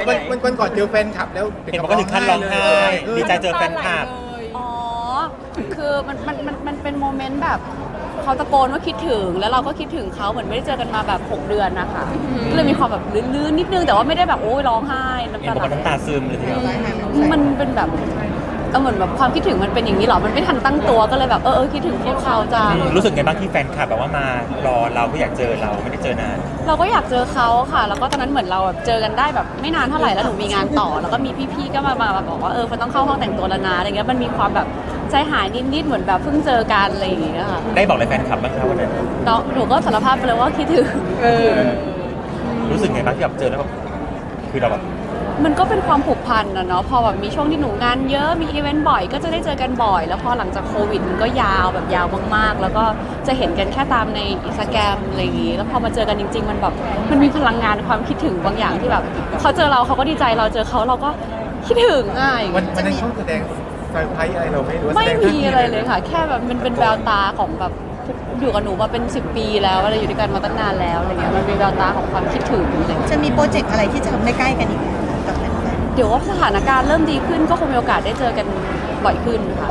วันก่อนเจอแฟนคลับแล้วเห็นบอกว่าถึงขั้นร้องไห้ดีใจเจอแฟนคลับอ๋อคือมันเป็นโมเมนต์แบบเขาตะโกนว่าคิดถึงแล้วเราก็คิดถึงเขาเหมือนไม่ได้เจอกันมาแบบ6 เดือนนะคะก็เลยมีความแบบลื่นๆนิดนึงแต่ว่าไม่ได้แบบโอ้ยร้องไห้น้ำเห็นตาบอกไหลว่าน้ำตาซึมเลยทีเดียวมันเป็นแบบเหมือนแบบความคิดถึงมันเป็นอย่างนี้หรอมันไม่ทันตั้งตัวก็เลยแบบคิดถึงพวกเขาจังรู้สึกไงบ้างที่แฟนคลับแบบว่ามารอเราก็อยากเจอเราไม่ได้เจอนานเราก็อยากเจอเขาค่ะ แล้วก็ตอนนั้นเหมือนเราแบบเจอกันได้แบบไม่นานเท่าไหร่แล้วหนูมีงานต่อ แล้วก็มีพี่ๆก็มาบอกว่ามันต้องเข้าห้องแต่งตัวแล้วนะอะไรเงี้ยมันมีความแบบใจหายนิดๆเหมือนแบบเพิ่งเจอกันอะไรอย่างเงี้ยค่ะได้บอกอะไรแฟนคลับบ้างคะวันนั้นหนูก็สารภาพไปเลยว่าคิดถึงรู้สึกไงบ้างที่แบบเจอแล้วแบบคือเราแบบมันก็เป็นความผูกพันนะเนาะพอแบบมีช่วงที่หนูงานเยอะมีอีเวนต์บ่อยก็จะได้เจอกันบ่อย แล้วพอหลังจากโควิดมันก็ยาวแบบยาวมากๆ แล้วก็จะเห็นกันแค่ตามในอินสตาแกรมอะไรอย่างงี้แล้วพอมาเจอกันจริง ๆ มันแบบมันมีพลังงานความคิดถึงบางอย่างที่แบบเขาเจอเราเขาก็ดีใจเราเจอเขาเราก็คิดถึงอ่ะอย่างวันเงี้ยนั้นเขาแสดงเซอร์ไพรส์อะไรเราไม่รู้ไม่มีอะไรเลยค่ะ แค่แบบมันเป็นแววตาของแบบอยู่กับหนูมาเป็น10 ปีแล้วอะไรอยู่ด้วยกันมาตั้งนานแล้วอะไรเงี้ยมันเป็นแววตาของความคิดถึงอะไรเงี้ยจะมีโปรเจกต์อะไรที่จะทำได้ใกล้กันอีกไหมกับแฟนเดี๋ยวว่าสถานการณ์เริ่มดีขึ้นก็คงมีโอกาสได้เจอกันบ่อยขึ้นค่ะ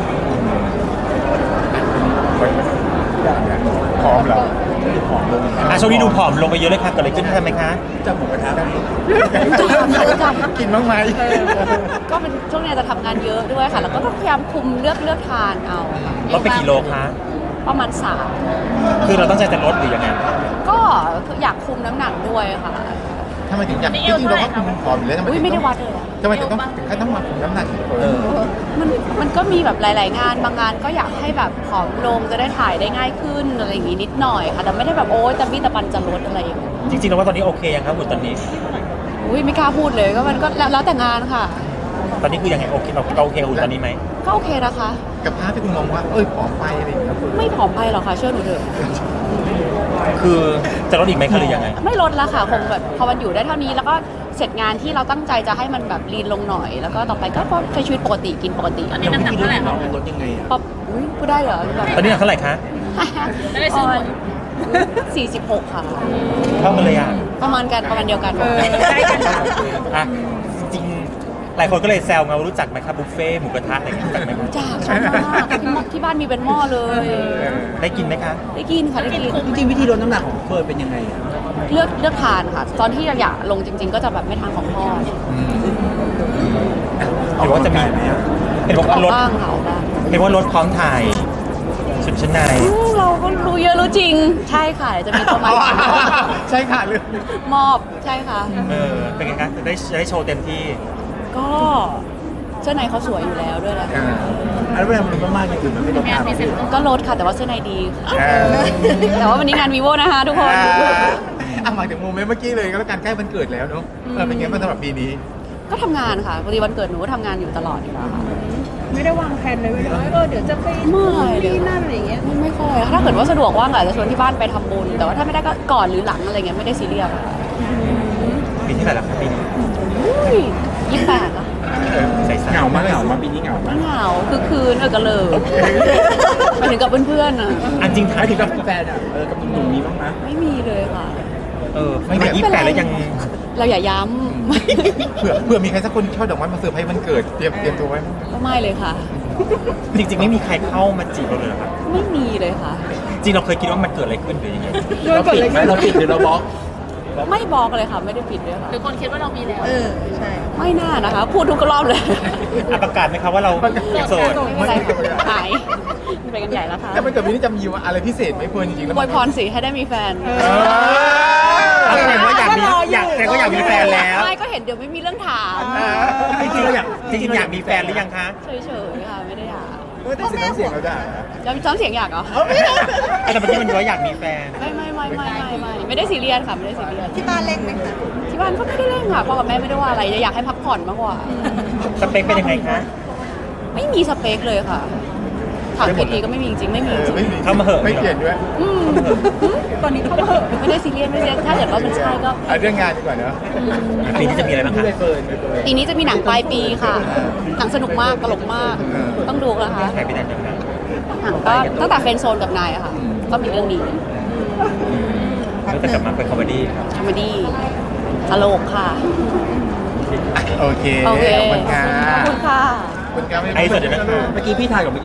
พร้อมแล้วช่วงนี้ดูผอมลงไปเยอะเลยค่ะเกิดอะไรขึ้นทำไมคะจะหมูกระทะได้จกินบ้างไหมก็เป็นช่วงนี้จะทำงานเยอะด้วยค่ะ แล้วก็ต้องพยายามคุมเลือกทานเอาค่ะลดไปกี่โลคะประมาณคือเราตั้งใจจะลดหรือยังไง 3ก็คืออยากคุมน้ำหนักด้วยค่ะทำไมถึงอยากจริงๆเราก็คุมผอมอยู่แล้วทำไมอุ้ยถึงไม่ได้ต้องวัดเลยอะทำไมถึงขั้นต้องมาคุมน้ำหนักอีกคนมันก็มีแบบหลาย ๆ งานบางงานก็อยากให้แบบผอมลงจะได้ถ่ายได้ง่ายขึ้นอะไรอย่างงี้นิดหน่อยค่ะแต่ไม่ได้แบบโอ๊ยตะบี้ตะปันจะลดอะไรอย่างเงี้ยจริงๆแล้วว่าตอนนี้โอเคยังครับหุ่นตอนนี้อุ้ยไม่กล้าพูดเลยก็มันก็แล้วแต่งานค่ะตอนนี้คือยังไงโอเคเราโอเคหุ่นตอนนี้ไหมก็โอเคนะคะกับภาพที่คุณมองว่าผอมไปอะไรอย่างเงี้ยไม่ผอมไปหรอกค่ะเชื่อหนูเถอะคือจะลดอีกไหมคะหรือยังไงไม่ลดละค่ะคงแบบพอมันอยู่ได้เท่านี้แล้วก็เสร็จงานที่เราตั้งใจจะให้มันแบบลีนลงหน่อย แล้วก็ต่อไปก็ใช้ชีวิตปกติกินปกติๆอันนี้น้ำหนักเท่าไหร่คะลดยังไงอ่ะป๊อปอุ๊ยพูดได้เหรอแบบตอนนี้หนักเท่าไหร่คะได้ซื้อหมด 46 ค่ะเท่ากันเลยอ่ะประมาณเดียวกันใกล้กันค่ะอ่ะจริงๆหลายคนก็เลยแซวไงว่ารู้จักไหมครับบุฟเฟ่ต์หมูกระทะอะไรอย่างเงี้ยรู้จักไหมจากชอบมากที่บ้านมีเป็นหม้อเลยได้กินไหมคะได้กินค่ะได้กินจริงๆวิธีลดน้ำหนักของเฟิร์นเป็นยังไงอะเลือกทานค่ะ ตอนที่อยากลงจริง ๆ ก็จะแบบไม่ทานของทอดหรือว่าจะมีเห็นบอกอว่าอกลดบ้างค่ะออกบ้างเห็นว่าลดพร้อมถ่ายชุดชั้นในเราก็รู้เยอะรู้จริง ใช่ค่ะเดี๋ยวจะมีตัวใหม่ใช่ค่ะเรื่องมอบใช่ค่ะเป็นไงคะจะได้โชว์เต็มที่ก็เสื้อในเขาสวยอยู่แล้วด้วยแหละอันเวลามันลดมากๆอย่างอื่นมันไม่ลดตามก็ลดค่ะแต่ว่าเสื้อในดีค่ะแต่ว่าวันนี้งานวีโวนะคะทุกคนมาถึงโมเมนต์เมื่อกี้เลยก็แล้วกันใกล้วันเกิดแล้วเนาะเป็นไงบ้างสำหรับปีนี้ก็ทำงานค่ะพอดีวันเกิดหนูก็ทำงานอยู่ตลอดอยู่แล้วค่ะไม่ได้วางแผนเลยว่าเดี๋ยวจะไปไม่เลยที่นั่นอะไรอย่างเงี้ยไม่ค่อยถ้าเกิดว่าสะดวกว่างอาจจะชวนที่บ้านไปทำบุญแต่ว่าถ้าไม่ได้ก็ก่อนหรือหลังอะไรเงี้ยไม่ได้ซีเรียสค่ะปีที่ไหนแล้วครับปีนี้ 28อ่ะใส่เหงามากเหงามากปีนี้เหงามากเหงาคือคืนกันเลยไปถึงกับเพื่อนๆอ่ะอันจริงท้ายไม่ถึถึงงกักับบแฟนอ่ะกับหนุ่มๆมีบ้างไหมไม่มีเลยค่ะไม่ได้28แล้วยังเราอย่าย้เผื่อมีใครสักคนช่อดอกไม้มาเซอร์ไพรส์วันเกิดเตรียมตัวไว้ำก็ไม่เลยค่ะจริงๆไม่มีใครเข้ามาจีบเราเลยเหรอครับไม่มีเลยค่ะจริงเราเคยคิดว่ามันเกิดอะไรขึ้นหรือยังไงเราปิดไหมเราปิดหรือเราบล็อกไม่บอกเลยค่ะ ไม่ได้ปิดด้วยค่ะหรือคนคิดว่าเรามีแล้วใช่ไม่น่านะคะ พูดทุกรอบเลยประกาศไหมครับว่าเราโสดไม่เป็นไรหายไปกันใหญ่แล้วค่ะแต่วันเกิดปีนี้จะมีอะไรพิเศษไหมเฟิร์นจริงๆแล้วอวยพรสิให้ได้มีแฟนแสดงว่าอยากมีแฟนแล้วไม่ก็เห็นเดี๋ยวไม่มีเรื่องถามจริงๆอยากมีแฟนหรือยังคะเฉยๆค่ะไม่ได้อยากแต่เสียงเราได้จำเสียงอยากเหรอแต่เมื่อกี้มันว่าอยากมีแฟนไม่ได้ซีเรียสค่ะไม่ได้ซีเรียสที่บ้านเล็กไหมคะที่บ้านก็ไม่ได้เร่งค่ะพ่อกับแม่ไม่ได้ว่าอะไรอยากให้พักผ่อนมากกว่าสเปคเป็นยังไงคะไม่มีสเปคเลยค่ะถามกี่ทีก็ไม่มีจริงๆไม่มีจริงไม่มีเข้ามาเหอะไม่เปลี่ยนด้วยอืมตอนนี้เขาไม่ได้ซีเรียสไม่ได้ถ้าเกิดว่ามันใช่ก็เอาเรื่องงานดีกว่าเนอะปีนี้จะมีอะไรบ้างคะไม่เฟิร์นไม่เฟิร์นปีนี้จะมีหนังปลายปีค่ะหนังสนุกมากตลกมาก ต้องดูนะคะใครไปได้จังคะหนังก็ตั้งแต่เฟรนด์โซนกับนายอะค่ะ ก็มีเรื่องนี้แล้วจะกลับมาเป็นคอมเมดี้คอมเมดี้ตลกค่ะโอเคโอเคขอบคุณค่ะขอบคุณค่ะขอบคุณค่ะไอ้สวัสดีนะครับเมื่อกี้พี่ถ่ายกับ